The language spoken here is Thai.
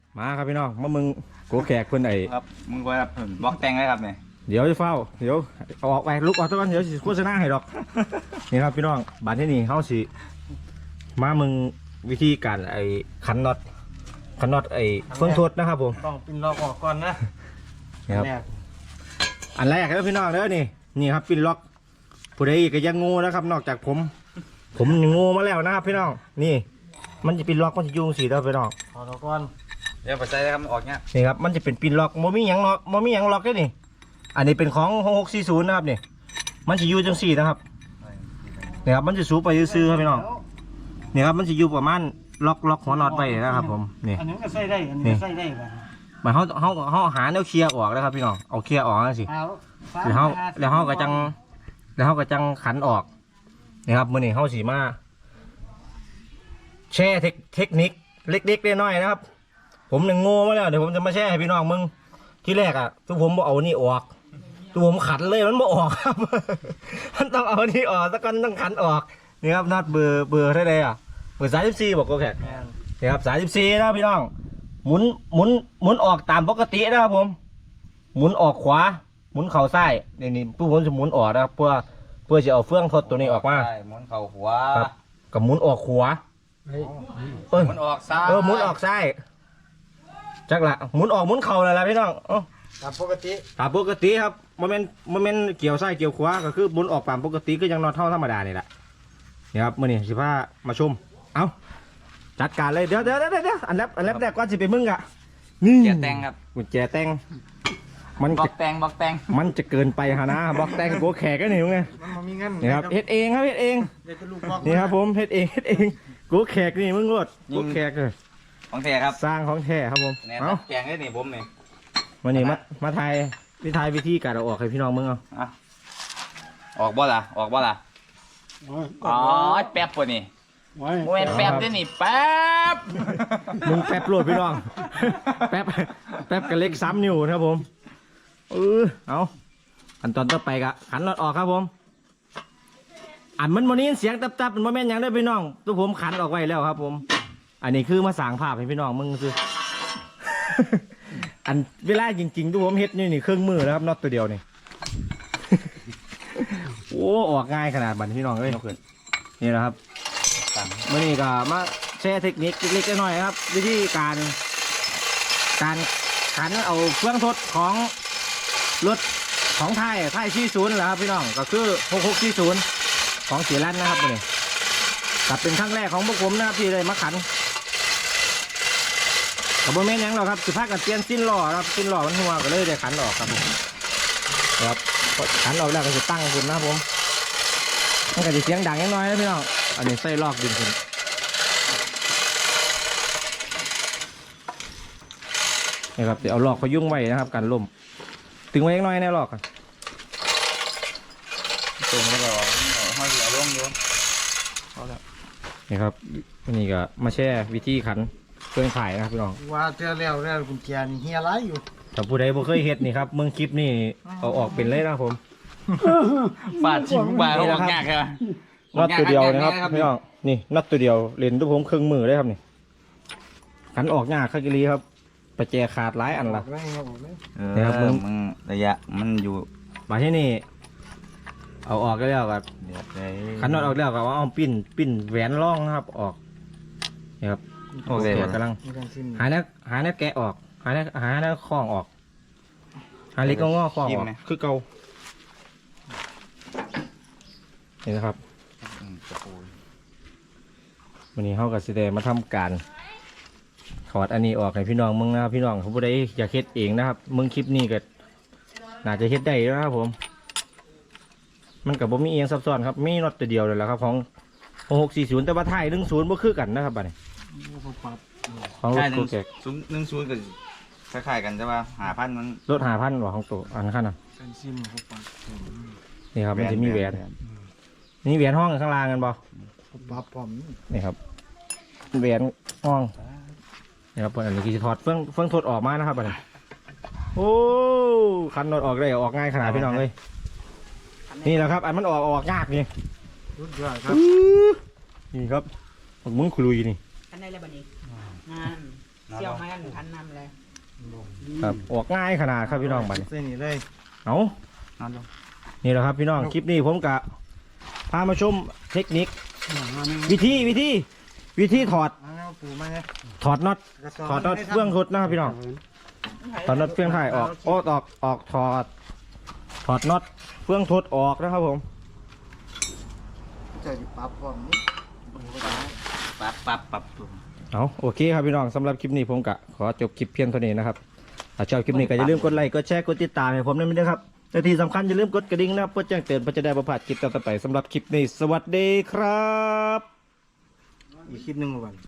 มาครับพี่น้องมามึงโกแขกคนไหนครับมึงว่าบล็อกแต่งเลยครับเนี่ยเดี๋ยวจะเฝ้าเดี๋ยวเอาออกไปลุกออกตะวันเดี๋ยวสิโฆษณาให้ดอก นี่ครับพี่น้องบัดที่นี่เขาสิมามึงวิธีการไอ้ขันน็อตไอ้เฟืองทดนะครับผมต้องปินล็อกออกก่อนนะนี่ครับอันแรกครับพี่น้องเด้อนี่ครับปินล็อกผู้ใดก็ยังงูนะครับนอกจากผมงูมาแล้วนะครับพี่น้องนี่มันจะปินล็อกมันจะยุ่งสีเด้อพี่น้องถอดออกก่อนเดี๋ยวปัจจัยนะครับออกเนี้ยนี่ครับมันจะเป็นปินล็อกโมมี่ยังล็อกได้นี่อันนี้เป็นของ640นะครับนี่มันจะอยู่จังสี่นะครับนี่ครับมันจะสูบไปซื้อครับพี่น้องนี่ครับมันจะอยู่ประมาณล็อกหัวน็อตไปนะครับผมนี่อันนี้ก็ใส่ได้อันนี้ใส่ได้แบบมันเขาหาแนวเคลียร์ออกนะครับพี่น้องเอาเคลียร์ออกนะสิแล้วเขาก็จังขันออกนี่ครับมื่อนี้เขาสีมาแช่เทคนิคเล็กๆน้อยๆนะครับผมหนึ่งโง่มาแล้วเดี๋ยวผมจะมาแช่ให้พี่น้องมึงที่แรกอ่ะทุกผมเอานี่ออกทุกผมขันเลยมันไม่ออกครับ มันต้องเอานี่ออกสักกันต้องขันออกนี่ครับนัดเบอร์เท่าไรอ่ะเบอร์34บอกโอเคนี่ครับ34นะพี่น้องหมุนออกตามปกตินะครับผมหมุนออกขวาหมุนเข่าซ้ายนี่ผู้ผมจะหมุนออกนะครับเพื่อจะเอาเฟืองทดตัวนี้ออกมาหมุนเข่าขวากับหมุนออกขวาหมุนออกซ้ายหมุนออกซ้ายจักละหมุนออกหมุนเข่าอะไรพี่น้องตามปกติครับโมเมนต์เกี่ยวซ้ายเกี่ยวขวาก็คือหมุนออกตามปกติก็ยังนอนเท่าธรรมดานี่แหละนี่ครับมื่อนี้สิพามาชมเอาจัดการเลยเดี๋ยวอันแรกก่อนสิไปมึงอะนี่แจแต่งครับกุญแจแต่งบล็อกแต่งมันจะเกินไปฮะนะบล็อกแต่งโกแขกก็หนิวไงนี่ครับเฮ็ดเองครับนี่ครับผมเฮ็ดเองโกแขกนี่มึงรดโกแขกเลยของแท้ครับสร้างของแท้ครับผมเอาแกงได้นี่ผมนี่วันนี้มาไทยวิธีการเอาออกให้พี่น้องมึงเอาออกบ่ล่ะอ๋อแป๊บป่ะนี่โมเมนแป๊บได้นี่แป๊บมึงแป๊บโหลดพี่น้องแป๊บกับเล็กซ้ำนิ้วนะครับผมเอาอันตอนต่อไปกะขันน็อตออกครับผมอันมันวันนี้เสียงตับมันโมเมนต์ยังได้พี่น้องตัวผมขันออกไว้แล้วครับผมอันนี้คือมาสร้างภาพให้พี่น้องมึงซื้อ อันเวลาจริงๆตัวผมเฮ็ดนี่เครื่องมือแล้วครับน็อตตัวเดียวนี่ โอ้ออกง่ายขนาดบันพี่น้องเลยนี่นะครับเมื่อนี้ก็มาแชร์เทคนิคเล็กๆน้อยๆครับวิธีการขันเอาเครื่องทดของรถของไทย40แหละครับพี่น้องก็คือ6640ของเสียรันนะครับนี่กับเป็นครั้งแรกของพวกผมนะครับที่ได้มาขันกับโบแมนยังหรอกครับสุภาพกับเตียนสิ้นหล่อครับสิ้นหล่อมันหัวก็เลยได้ขันออกครับผมครับขันออกแล้วก็จะตั้งคุณนะครับผมมันก็จะเสียงดังน้อยนะพี่น้องอันนี้ใส่ลอกดินคุณนี่ครับเดี๋ยวเอาลอกพยุ่งไว้นะครับกันล่มตึงไว้น้อยแน่ลอกกันตรงแล้วก็ห้อยเหลือล่องโยนนี่ครับนี่ก็มาแช่วิธีขันเครื่องขายนะครับพี่น้องว่าเจอแล้วกุญแจนี่เฮียไรอยู่แต่ผู้ใดบ่เคยเฮ็ดนี่ครับเมืองคลิปนี่เอาออกเป็นเลยนะผมฟาดชิมบาออกยากใช่ไหมน็อตตัวเดียวนะครับพี่น้องนี่น็อตตัวเดียวเล่นด้วยผมเครื่องมือได้ครับนี่ขันออกยากข้ากิลีครับประแจขาดหลายอันละนี่ครับมึงระยะมันอยู่มาที่นี่เอาออกก็แล้วครับขันน็อตออกแล้วก็เอาปิ้นแหวนร่องนะครับออกนี่ครับโอเคกำลังหาแนวแกะออกหาแนวคล้องออกหาเล็กงอคล้องออกคือเก่านี่นะครับวันนี้เขากับสิเดมาทำการถอดอันนี้ออกให้พี่น้องมึงนะครับพี่น้องเขาผู้ใดอยากเฮ็ดเองนะครับมึงคลิปนี้ก็น่าจะเฮ็ดได้แล้วนะครับผมมันกับผมมีเองซับซ้อนครับมีน็อตตัวเดียวเลยแหละครับของ640แต่ว่าไทย10บ่คือกันนะครับบัดนี้ของรถโกแกก10กันคล้ายๆกันใช่ป่ะ5,000มันรถ5,000หรอของตัวอันขั้นน่ะนี่ครับมันจะมีแหวนนี่แหวนห้องข้างล่างกันบ่นี่ครับแหวนห้องนี่ครับอันนี้คือจะถอดเฟื่องทดออกมานะครับบัดนี้โอ้คันน็อตออกได้ออกง่ายขนาดพี่น้องเลยนี่แหละครับอันมันออกยากนี่นี่ครับมึงคุยนี่อันไหนแล้วบัดนี้งานเสี่ยวจ้าแม่นทันนำเลยครับออกง่ายขนาดครับพี่น้องบัดนี้เส้นนี้เลยเอานอนลงนี่แหละครับพี่น้องคลิปนี้ผมกะพามาชมเทคนิควิธีถอดเอาปูมาไงถอดน็อตเฟื่องทดนะครับพี่น้องถอดน็อตเฟื่องถ่ายออกถอดน็อตเฟื่องทดออกนะครับผมจะปรับพร้อมนี้ปั๊บเอาโอเคครับพี่น้องสำหรับคลิปนี้ผมกะขอจบคลิปเพียงเท่านี้นะครับถ้าชอบคลิปนี้ก็อย่าลืมกดไลค์กดแชร์กดติดตามให้ผมด้วยนะครับแต่ที่สำคัญอย่าลืมกดกระดิ่งนะครับเพื่อแจ้งเตือนเพื่อจะได้ประพลาดคลิปต่อไปสำหรับคลิปนี้สวัสดีครับอีกคลิปหนึ่งก่อน